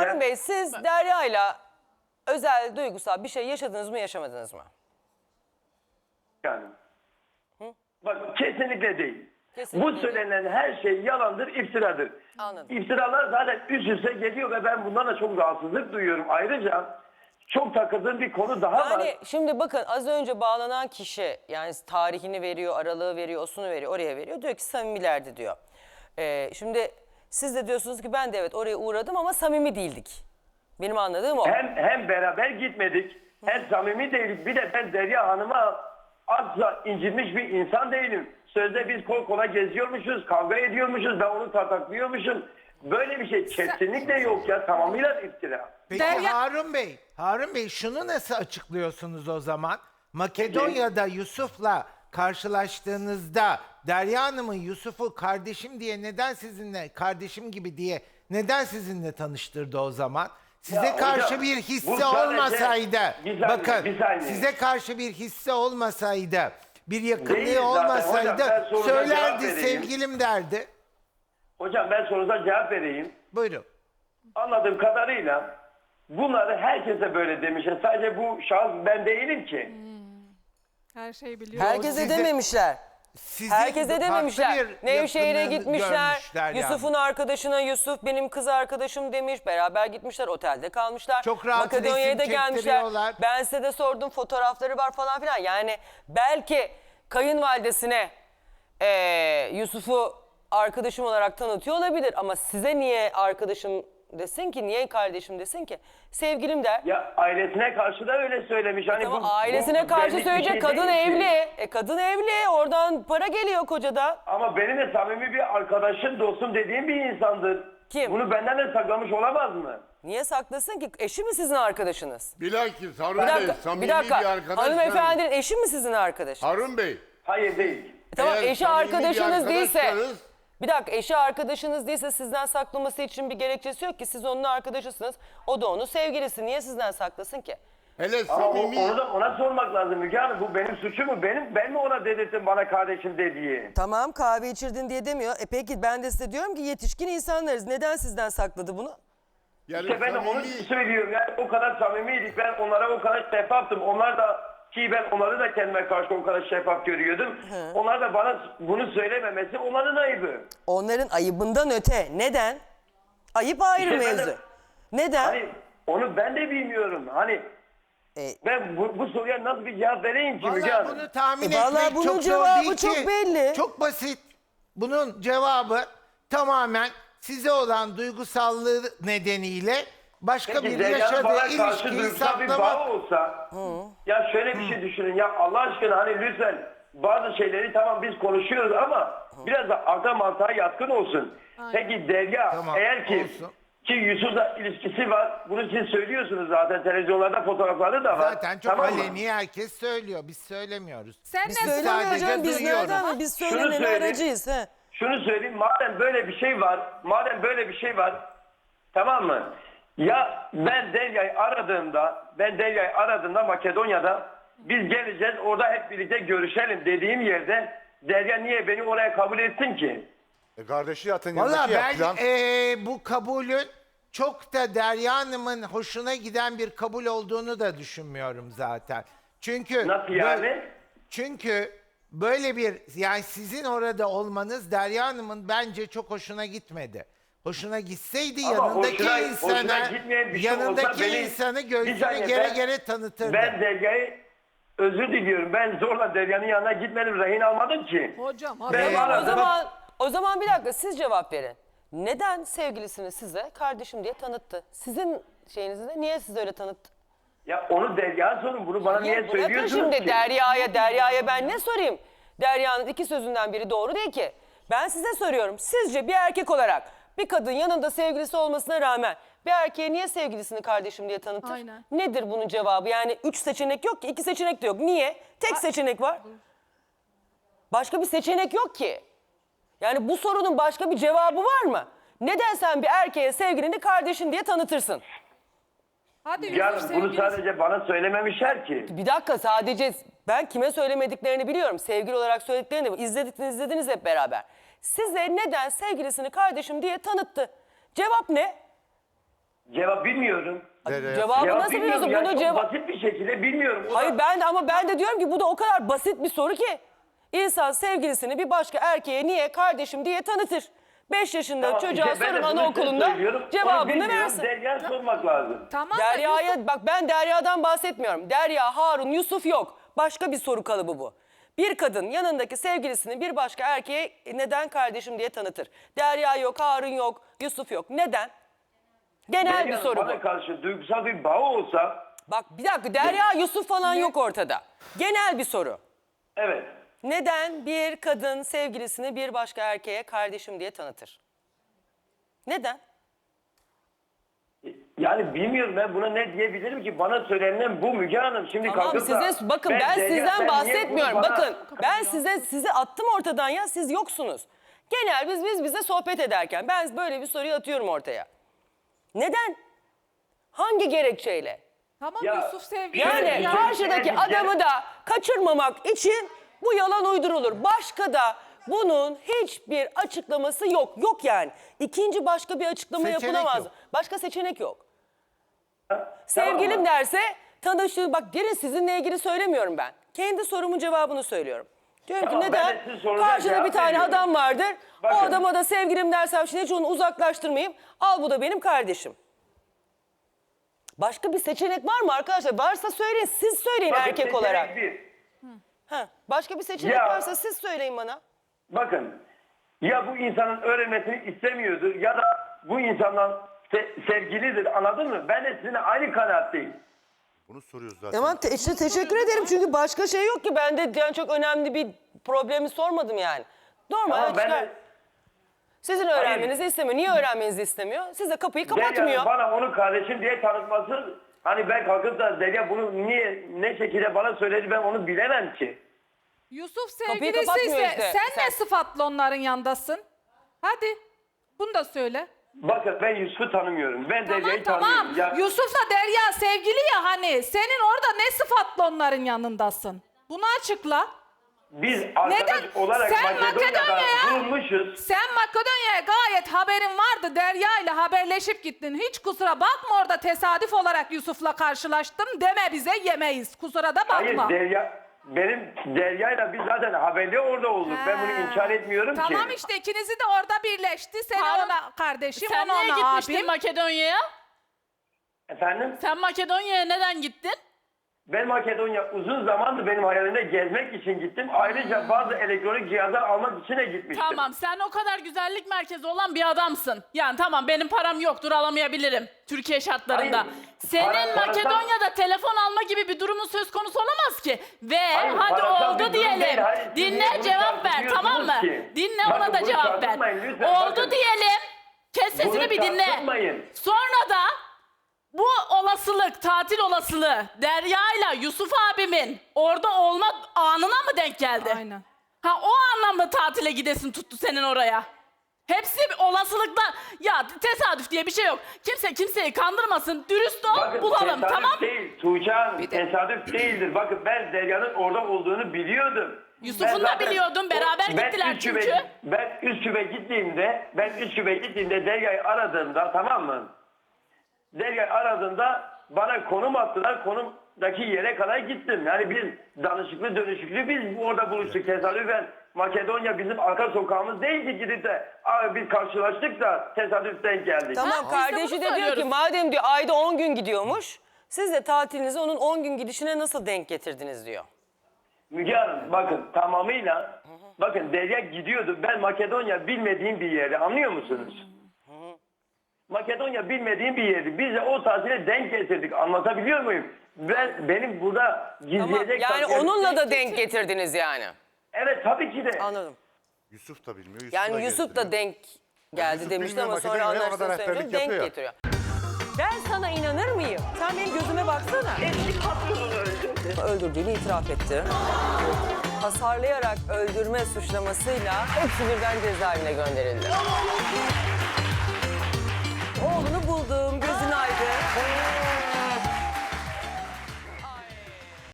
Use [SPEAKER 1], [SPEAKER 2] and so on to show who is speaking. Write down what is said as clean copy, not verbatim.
[SPEAKER 1] Harun Bey, siz Derya'yla özel, duygusal bir şey yaşadınız mı, yaşamadınız mı?
[SPEAKER 2] Yani. Bak kesinlikle değil.
[SPEAKER 1] Kesinlikle
[SPEAKER 2] Bu
[SPEAKER 1] değil.
[SPEAKER 2] söylenen her şey yalandır, iftiradır.
[SPEAKER 1] Anladım.
[SPEAKER 2] İftiralar zaten üst üste geliyor ve ben bundan da çok rahatsızlık duyuyorum. Ayrıca çok takıldığım bir konu daha var.
[SPEAKER 1] Yani şimdi bakın, az önce bağlanan kişi yani tarihini veriyor, aralığı veriyor, osunu veriyor, oraya veriyor. Diyor ki samimilerdi diyor. Şimdi siz de diyorsunuz ki ben de evet oraya uğradım ama samimi değildik. Benim anladığım o.
[SPEAKER 2] Hem beraber gitmedik, hem samimi değilik. Bir de ben Derya Hanım'a asla incinmiş bir insan değilim. Sözde biz kol kola geziyormuşuz, kavga ediyormuşuz, ben onu tataklıyormuşum. Böyle bir şey kesinlikle yok ya, tamamıyla iftira.
[SPEAKER 3] Peki
[SPEAKER 4] Derya-
[SPEAKER 3] Harun Bey şunu nasıl açıklıyorsunuz o zaman? Makedonya'da Yusuf'la karşılaştığınızda Derya Hanım'ın Yusuf'u kardeşim diye neden sizinle, kardeşim gibi diye neden sizinle tanıştırdı o zaman? Size
[SPEAKER 2] Ya
[SPEAKER 3] karşı
[SPEAKER 2] hocam,
[SPEAKER 3] bir
[SPEAKER 2] bu
[SPEAKER 3] hissi
[SPEAKER 2] sadece-
[SPEAKER 3] olmasaydı,
[SPEAKER 2] Bir saniye,
[SPEAKER 3] bakın
[SPEAKER 2] bir saniye.
[SPEAKER 3] size karşı bir hissi olmasaydı, bir yakınlığı
[SPEAKER 2] Değil zaten
[SPEAKER 3] olmasaydı
[SPEAKER 2] hocam, ben sorunuza cevap
[SPEAKER 3] söylerdi,
[SPEAKER 2] vereyim.
[SPEAKER 3] sevgilim derdi.
[SPEAKER 2] Hocam ben sorunuza cevap vereyim.
[SPEAKER 3] Buyurun.
[SPEAKER 2] Anladığım kadarıyla bunları herkese böyle demişler. Sadece bu şahıs ben değilim ki.
[SPEAKER 4] Her şeyi biliyor.
[SPEAKER 1] Herkese
[SPEAKER 3] size-
[SPEAKER 1] dememişler.
[SPEAKER 3] Sizin
[SPEAKER 1] Herkese
[SPEAKER 3] farklı
[SPEAKER 1] dememişler.
[SPEAKER 3] bir
[SPEAKER 1] Nevşehir'e
[SPEAKER 3] yakınlığını
[SPEAKER 1] gitmişler.
[SPEAKER 3] görmüşler yani.
[SPEAKER 1] Yusuf'un arkadaşına Yusuf benim kız arkadaşım demiş. Beraber gitmişler, otelde kalmışlar.
[SPEAKER 3] Çok rahat
[SPEAKER 1] Makedonya'ya da
[SPEAKER 3] resim
[SPEAKER 1] gelmişler.
[SPEAKER 3] çektiriyorlar.
[SPEAKER 1] Ben size de sordum, fotoğrafları var falan filan. Yani belki kayınvalidesine Yusuf'u arkadaşım olarak tanıtıyor olabilir. Ama size niye arkadaşım desin ki, niye kardeşim desin ki? Sevgilim der.
[SPEAKER 2] Ya ailesine karşı da öyle söylemiş. Hani
[SPEAKER 1] Ama
[SPEAKER 2] bu
[SPEAKER 1] ailesine karşı
[SPEAKER 2] benlik bir
[SPEAKER 1] söyleyecek,
[SPEAKER 2] şey
[SPEAKER 1] kadın
[SPEAKER 2] değil ki.
[SPEAKER 1] evli. Kadın evli, oradan para geliyor kocada.
[SPEAKER 2] Ama benim de samimi bir arkadaşım, dostum dediğim bir insandır.
[SPEAKER 1] Kim?
[SPEAKER 2] Bunu benden de saklamış olamaz mı?
[SPEAKER 1] Niye saklasın ki? Eşi mi sizin arkadaşınız?
[SPEAKER 5] Bilakis Harun
[SPEAKER 1] Bir
[SPEAKER 5] Bey
[SPEAKER 1] dakika,
[SPEAKER 5] samimi
[SPEAKER 1] bir
[SPEAKER 5] bir,
[SPEAKER 1] dakika.
[SPEAKER 5] arkadaş.
[SPEAKER 1] Hanımefendinin eşi mi sizin arkadaşınız?
[SPEAKER 5] Harun Bey.
[SPEAKER 2] Hayır değil.
[SPEAKER 1] Tamam,
[SPEAKER 5] eğer
[SPEAKER 1] eşi
[SPEAKER 5] samimi bir
[SPEAKER 1] arkadaşınız değilse...
[SPEAKER 5] arkadaşsanız-
[SPEAKER 1] Bir dakika, eşi arkadaşınız değilse sizden saklaması için bir gerekçesi yok ki. Siz onun arkadaşısınız, o da onun sevgilisi. Niye sizden saklasın ki?
[SPEAKER 5] Hele
[SPEAKER 2] Ama
[SPEAKER 5] samimi.
[SPEAKER 2] onu da ona sormak lazım Müge Hanım. Bu benim suçum mu? Ben mi ona dedirttim bana kardeşim de diye?
[SPEAKER 1] Tamam, kahve içirdin diye demiyor. Peki ben de size diyorum ki yetişkin insanlarız. Neden sizden sakladı bunu?
[SPEAKER 5] Yani
[SPEAKER 2] İşte ben de onu
[SPEAKER 5] samimi.
[SPEAKER 2] söylüyorum. Yani o kadar samimiydik. Ben onlara o kadar şeffaftım. Onlar da, ki ben onları da kendime karşı o kadar şeffaf görüyordum. Onlar da bana bunu söylememesi onların ayıbı.
[SPEAKER 1] Onların ayıbından öte. Neden? Ayıp ayrı
[SPEAKER 2] İşte ben de-
[SPEAKER 1] mevzu. Neden?
[SPEAKER 2] Hani onu ben de bilmiyorum. Hani ben bu soruya nasıl bir cevap vereyim ki Müge
[SPEAKER 3] Vallahi
[SPEAKER 2] Hanım?
[SPEAKER 3] bunu tahmin
[SPEAKER 1] Vallahi
[SPEAKER 3] etmek
[SPEAKER 1] bunun
[SPEAKER 3] çok zor
[SPEAKER 1] cevabı
[SPEAKER 3] değil
[SPEAKER 1] çok
[SPEAKER 3] ki.
[SPEAKER 1] belli.
[SPEAKER 3] Çok basit. Bunun cevabı tamamen size olan duygusallığı nedeniyle başka
[SPEAKER 2] Peki
[SPEAKER 3] bir
[SPEAKER 2] Derya'nın bana
[SPEAKER 3] yaşadığı
[SPEAKER 2] karşı
[SPEAKER 3] ilişkiyi
[SPEAKER 2] duygusal bir
[SPEAKER 3] saklamak.
[SPEAKER 2] bağı olsa, ya şöyle bir şey düşünün ya, Allah aşkına hani lütfen bazı şeyleri tamam biz konuşuyoruz ama biraz da akla mantığa yatkın olsun. Peki Derya
[SPEAKER 3] Tamam,
[SPEAKER 2] eğer ki
[SPEAKER 3] olsun.
[SPEAKER 2] Yusuf'la ilişkisi var, bunu siz söylüyorsunuz zaten, televizyonlarda fotoğrafları da var.
[SPEAKER 3] Zaten çok
[SPEAKER 2] Tamam mı?
[SPEAKER 3] aleni herkes söylüyor. Biz söylemiyoruz.
[SPEAKER 4] Sen
[SPEAKER 1] Biz
[SPEAKER 4] ne
[SPEAKER 1] söylemiyoruz
[SPEAKER 3] sadece
[SPEAKER 1] canım, biz
[SPEAKER 3] duyuyoruz.
[SPEAKER 1] nereden? Biz
[SPEAKER 2] Şunu
[SPEAKER 1] söylemenin
[SPEAKER 2] söyleyeyim.
[SPEAKER 1] aracıyız. He.
[SPEAKER 2] Şunu söyleyeyim, madem böyle bir şey var, tamam mı? Ya ben Derya'yı aradığımda Makedonya'da biz geleceğiz, orada hep birlikte görüşelim dediğim yerde Derya niye beni oraya kabul etsin ki?
[SPEAKER 5] Kardeşi zaten
[SPEAKER 3] Valla
[SPEAKER 5] yanındaki
[SPEAKER 3] ben
[SPEAKER 5] yapılan.
[SPEAKER 3] bu kabulün çok da Derya Hanım'ın hoşuna giden bir kabul olduğunu da düşünmüyorum zaten. Çünkü
[SPEAKER 2] Nasıl yani?
[SPEAKER 3] Çünkü böyle bir, yani sizin orada olmanız Derya Hanım'ın bence çok hoşuna gitmedi. Hoşuna gitseydi
[SPEAKER 2] Ama
[SPEAKER 3] yanındaki
[SPEAKER 2] hoşuna gitmeyen bir şey olsa
[SPEAKER 3] yanındaki
[SPEAKER 2] beni-
[SPEAKER 3] insanı
[SPEAKER 2] Bir
[SPEAKER 3] gözüne
[SPEAKER 2] saniye,
[SPEAKER 3] gere
[SPEAKER 2] ben-
[SPEAKER 3] gere tanıtırdı.
[SPEAKER 2] Ben Derya'yı özür diliyorum. Ben zorla Derya'nın yanına gitmedim, rehin almadım ki.
[SPEAKER 4] Hocam
[SPEAKER 2] Ben
[SPEAKER 4] hadi.
[SPEAKER 2] aradım.
[SPEAKER 1] O zaman bir dakika, siz cevap verin. Neden sevgilisini size kardeşim diye tanıttı? Sizin şeyinizde niye size öyle tanıttı?
[SPEAKER 2] Ya onu Derya'ya sorun, bunu bana niye
[SPEAKER 1] Bırakın
[SPEAKER 2] söylüyorsunuz
[SPEAKER 1] şimdi
[SPEAKER 2] ki?
[SPEAKER 1] Derya'ya ben ne sorayım? Derya'nın iki sözünden biri doğru değil ki. Ben size soruyorum. Sizce bir erkek olarak bir kadın yanında sevgilisi olmasına rağmen bir erkeğe niye sevgilisini kardeşim diye tanıtır?
[SPEAKER 4] Aynen.
[SPEAKER 1] Nedir bunun cevabı? Yani 3 seçenek yok ki, 2 seçenek de yok. Niye? Tek seçenek var. Başka bir seçenek yok ki. Yani bu sorunun başka bir cevabı var mı? Neden sen bir erkeğe sevgilini kardeşin diye tanıtırsın?
[SPEAKER 4] Hadi
[SPEAKER 2] Ya
[SPEAKER 4] Yusuf
[SPEAKER 2] bunu
[SPEAKER 4] sevgilisi.
[SPEAKER 2] sadece bana söylememişler ki.
[SPEAKER 1] Bir dakika, sadece ben kime söylemediklerini biliyorum. Sevgili olarak söylediklerini de izlediniz hep beraber. Size neden sevgilisini kardeşim diye tanıttı? Cevap ne?
[SPEAKER 2] Cevap bilmiyorum.
[SPEAKER 5] Derya'ya
[SPEAKER 1] Cevabı
[SPEAKER 2] Cevap
[SPEAKER 1] nasıl biliyorsun?
[SPEAKER 2] bilmiyorum.
[SPEAKER 1] Bunu
[SPEAKER 2] Yani
[SPEAKER 1] cevap...
[SPEAKER 2] çok basit bir şekilde bilmiyorum. O da-
[SPEAKER 1] Hayır ben de diyorum ki bu da o kadar basit bir soru ki. İnsan sevgilisini bir başka erkeğe niye kardeşim diye tanıtır. 5 yaşında
[SPEAKER 2] Tamam,
[SPEAKER 1] çocuğa
[SPEAKER 2] işte ben de
[SPEAKER 1] sorun
[SPEAKER 2] bunu size
[SPEAKER 1] anaokulunda
[SPEAKER 2] söylüyorum. Onu
[SPEAKER 1] cevabını
[SPEAKER 2] bilmiyorum.
[SPEAKER 1] versin.
[SPEAKER 2] Derya'ya sormak lazım.
[SPEAKER 4] Tamam da
[SPEAKER 1] Derya'ya bak ben Derya'dan bahsetmiyorum. Derya, Harun, Yusuf yok. Başka bir soru kalıbı bu. Bir kadın yanındaki sevgilisini bir başka erkeğe neden kardeşim diye tanıtır. Derya yok, Harun yok, Yusuf yok. Neden? Genel bir
[SPEAKER 2] Derya'nın
[SPEAKER 1] soru bu.
[SPEAKER 2] bana karşı duygusal bir bağı olsa,
[SPEAKER 1] Bak bir dakika Derya, Yusuf falan yok ortada. Genel bir soru.
[SPEAKER 2] evet.
[SPEAKER 1] Neden bir kadın sevgilisini bir başka erkeğe kardeşim diye tanıtır? Neden?
[SPEAKER 2] Yani bilmiyorum ben buna ne diyebilirim ki? Bana söylenen bu Müge Hanım. Şimdi
[SPEAKER 1] Tamam
[SPEAKER 2] kalkıp da
[SPEAKER 1] size bakın ben
[SPEAKER 2] Derya, sen
[SPEAKER 1] sizden
[SPEAKER 2] niye
[SPEAKER 1] bahsetmiyorum.
[SPEAKER 2] bunu bana-
[SPEAKER 1] Bakın ben sizi attım ortadan ya siz yoksunuz. Genel biz bize sohbet ederken ben böyle bir soruyu atıyorum ortaya. Neden? Hangi gerekçeyle?
[SPEAKER 4] tamam
[SPEAKER 2] Ya,
[SPEAKER 4] Yusuf sevgili.
[SPEAKER 1] Yani
[SPEAKER 2] Ya,
[SPEAKER 1] karşıdaki
[SPEAKER 2] ya-
[SPEAKER 1] adamı da kaçırmamak için bu yalan uydurulur. Başka da bunun hiçbir açıklaması yok. Yok yani. İkinci başka bir açıklama
[SPEAKER 3] Seçenek
[SPEAKER 1] yapılamaz.
[SPEAKER 3] yok.
[SPEAKER 1] Başka seçenek yok.
[SPEAKER 2] Tamam
[SPEAKER 1] Sevgilim
[SPEAKER 2] mı?
[SPEAKER 1] derse tanıştığı bak gene sizinle ilgili söylemiyorum ben. Kendi sorumun cevabını söylüyorum. Diyorum
[SPEAKER 2] Tamam,
[SPEAKER 1] ki
[SPEAKER 2] ben
[SPEAKER 1] neden?
[SPEAKER 2] de sizin sorunuza
[SPEAKER 1] Karşıda
[SPEAKER 2] cevap
[SPEAKER 1] bir tane
[SPEAKER 2] veriyorum.
[SPEAKER 1] adam vardır. O
[SPEAKER 2] Bakın.
[SPEAKER 1] adama da sevgilim dersem şimdi hiç onu uzaklaştırmayayım. Al bu da benim kardeşim. Başka bir seçenek var mı arkadaşlar? Varsa söyleyin. Siz söyleyin
[SPEAKER 2] Bakın,
[SPEAKER 1] erkek
[SPEAKER 2] seçenek
[SPEAKER 1] olarak.
[SPEAKER 2] bir.
[SPEAKER 1] Ha, başka bir seçenek
[SPEAKER 2] Ya.
[SPEAKER 1] varsa siz söyleyin bana.
[SPEAKER 2] Bakın ya bu insanın öğrenmesini istemiyordur ya da bu insandan sevgilidir, anladın mı? Ben de sizinle aynı kanaatteyim.
[SPEAKER 5] Bunu soruyoruz zaten.
[SPEAKER 1] Tamam işte teşekkür ederim çünkü başka şey yok ki. Ben de yani çok önemli bir problemi sormadım yani. Normal
[SPEAKER 2] Ama ben
[SPEAKER 1] çıkar.
[SPEAKER 2] de
[SPEAKER 1] Sizin öğrenmenizi istemiyor. Niye öğrenmenizi istemiyor? Size kapıyı kapatmıyor.
[SPEAKER 2] Derya'nın bana onu kardeşim diye tanıtması, hani ben kalkıp da Derya bunu niye ne şekilde bana söyledi ben onu bilemem ki.
[SPEAKER 4] Yusuf
[SPEAKER 1] Kapıyı
[SPEAKER 4] sevgilisi
[SPEAKER 1] kapatmıyor
[SPEAKER 4] ise
[SPEAKER 1] işte.
[SPEAKER 4] sen ne
[SPEAKER 1] Sen-
[SPEAKER 4] sıfatla onların yanındasın? Hadi bunu da söyle.
[SPEAKER 2] Bakın ben Yusuf'u tanımıyorum. Ben
[SPEAKER 4] Tamam
[SPEAKER 2] Derya'yı
[SPEAKER 4] tamam.
[SPEAKER 2] tanımıyorum. Ya,
[SPEAKER 4] Yusuf'la Derya sevgili ya hani. Senin orada ne sıfatla onların yanındasın? Bunu açıkla.
[SPEAKER 2] biz arkadaş
[SPEAKER 4] Neden?
[SPEAKER 2] olarak
[SPEAKER 4] Sen
[SPEAKER 2] Makedonya'da
[SPEAKER 4] Makedonya'ya-
[SPEAKER 2] bulunmuşuz.
[SPEAKER 4] Sen Makedonya'ya gayet haberin vardı. Derya ile haberleşip gittin. Hiç kusura bakma orada tesadüf olarak Yusuf'la karşılaştım deme bize yemeyiz. Kusura da bakma.
[SPEAKER 2] Hayır benim Derya'yla biz zaten haberli orada olduk. Ben bunu inkar etmiyorum ki.
[SPEAKER 4] Tamam işte ikinizi de orada birleşti. Seni
[SPEAKER 6] Harun,
[SPEAKER 4] ona kardeşim,
[SPEAKER 6] Sen
[SPEAKER 4] onu
[SPEAKER 6] niye
[SPEAKER 4] ona
[SPEAKER 6] gitmiştin
[SPEAKER 4] abim.
[SPEAKER 6] Makedonya'ya?
[SPEAKER 2] Efendim?
[SPEAKER 6] Sen Makedonya'ya neden gittin?
[SPEAKER 2] Ben Makedonya uzun zamandır benim hayalimde gezmek için gittim. Ayrıca bazı elektronik cihazlar almak için de gitmiştim.
[SPEAKER 6] Tamam, sen o kadar güzellik merkezi olan bir adamsın. Yani tamam, benim param yoktur, alamayabilirim Türkiye şartlarında.
[SPEAKER 2] Hayır,
[SPEAKER 6] Senin
[SPEAKER 2] parasal-
[SPEAKER 6] Makedonya'da telefon alma gibi bir durumun söz konusu olamaz ki. Ve
[SPEAKER 2] Hayır,
[SPEAKER 6] hadi
[SPEAKER 2] parasal bir
[SPEAKER 6] oldu
[SPEAKER 2] durum değil.
[SPEAKER 6] diyelim.
[SPEAKER 2] Hayır, siz niye
[SPEAKER 6] Dinle,
[SPEAKER 2] bunu
[SPEAKER 6] cevap ver, tamam mı?
[SPEAKER 2] tartışıyorsunuz ki?
[SPEAKER 6] Dinle,
[SPEAKER 2] Bakın,
[SPEAKER 6] ona da
[SPEAKER 2] bunu
[SPEAKER 6] cevap ver.
[SPEAKER 2] tartışmayın lütfen,
[SPEAKER 6] Oldu
[SPEAKER 2] bakın.
[SPEAKER 6] diyelim. Kes sesini
[SPEAKER 2] Bunu
[SPEAKER 6] bir dinle.
[SPEAKER 2] tartışmayın.
[SPEAKER 6] Sonra da bu olasılık, tatil olasılığı Derya ile Yusuf abimin orada olma anına mı denk geldi?
[SPEAKER 4] Aynen.
[SPEAKER 6] Ha, o anlamda tatile gidesin tuttu senin oraya. Hepsi bir olasılıklar. Ya tesadüf diye bir şey yok. Kimse kimseyi kandırmasın. Dürüst ol,
[SPEAKER 2] Bakın,
[SPEAKER 6] bulalım,
[SPEAKER 2] tesadüf
[SPEAKER 6] tamam?
[SPEAKER 2] değil. Tuğçe Hanım, tesadüf değildir. Bakın ben Derya'nın orada olduğunu biliyordum.
[SPEAKER 6] Yusuf'un
[SPEAKER 2] Ben
[SPEAKER 6] da
[SPEAKER 2] zaten-
[SPEAKER 6] biliyordun, beraber gittiler
[SPEAKER 2] Üsküp'e-
[SPEAKER 6] çünkü.
[SPEAKER 2] Ben Üsküp'e gittiğimde Derya'yı aradığımda, tamam mı? Derya'yı aradığımda bana konum attılar. Konumdaki yere kadar gittim. Yani biz danışıklı dönüşüklü biz orada buluştuk tesadüfen. Makedonya bizim arka sokağımız değil ki gidip de abi biz karşılaştık da tesadüften geldik.
[SPEAKER 1] Tamam
[SPEAKER 6] Ha, biz de
[SPEAKER 1] kardeşi
[SPEAKER 6] bunu
[SPEAKER 1] de diyor ki
[SPEAKER 6] söylüyoruz.
[SPEAKER 1] madem diyor ayda 10 gün gidiyormuş. Siz de tatilinizi onun 10 gün gidişine nasıl denk getirdiniz diyor.
[SPEAKER 2] Müge Hanım bakın tamamıyla bakın Derya gidiyordu. Ben Makedonya bilmediğim bir yeri, anlıyor musunuz? Makedonya bilmediğim bir yerdi. Biz de o tatile denk getirdik. Anlatabiliyor muyum? Benim burada
[SPEAKER 1] Tamam.
[SPEAKER 2] gizleyecek...
[SPEAKER 1] Yani onunla da denk getirdiniz yani.
[SPEAKER 2] Evet tabii ki de.
[SPEAKER 1] Anladım.
[SPEAKER 5] Yusuf da bilmiyor.
[SPEAKER 1] Yani Yusuf da denk geldi
[SPEAKER 5] Yusuf
[SPEAKER 1] demişti
[SPEAKER 5] bilmiyor,
[SPEAKER 1] ama sonra
[SPEAKER 5] Makedonya'ya ona da
[SPEAKER 1] anlaştığını söyleyince
[SPEAKER 5] rehberlik
[SPEAKER 1] denk
[SPEAKER 5] yapıyor.
[SPEAKER 1] getiriyor. Ben sana inanır mıyım? Sen benim gözüme baksana.
[SPEAKER 2] Eski patronunu öldürdü.
[SPEAKER 1] Öldürdüğünü itiraf etti. Hasarlayarak öldürme suçlamasıyla hepsi birden cezaevine gönderildi. Oğlunu buldum.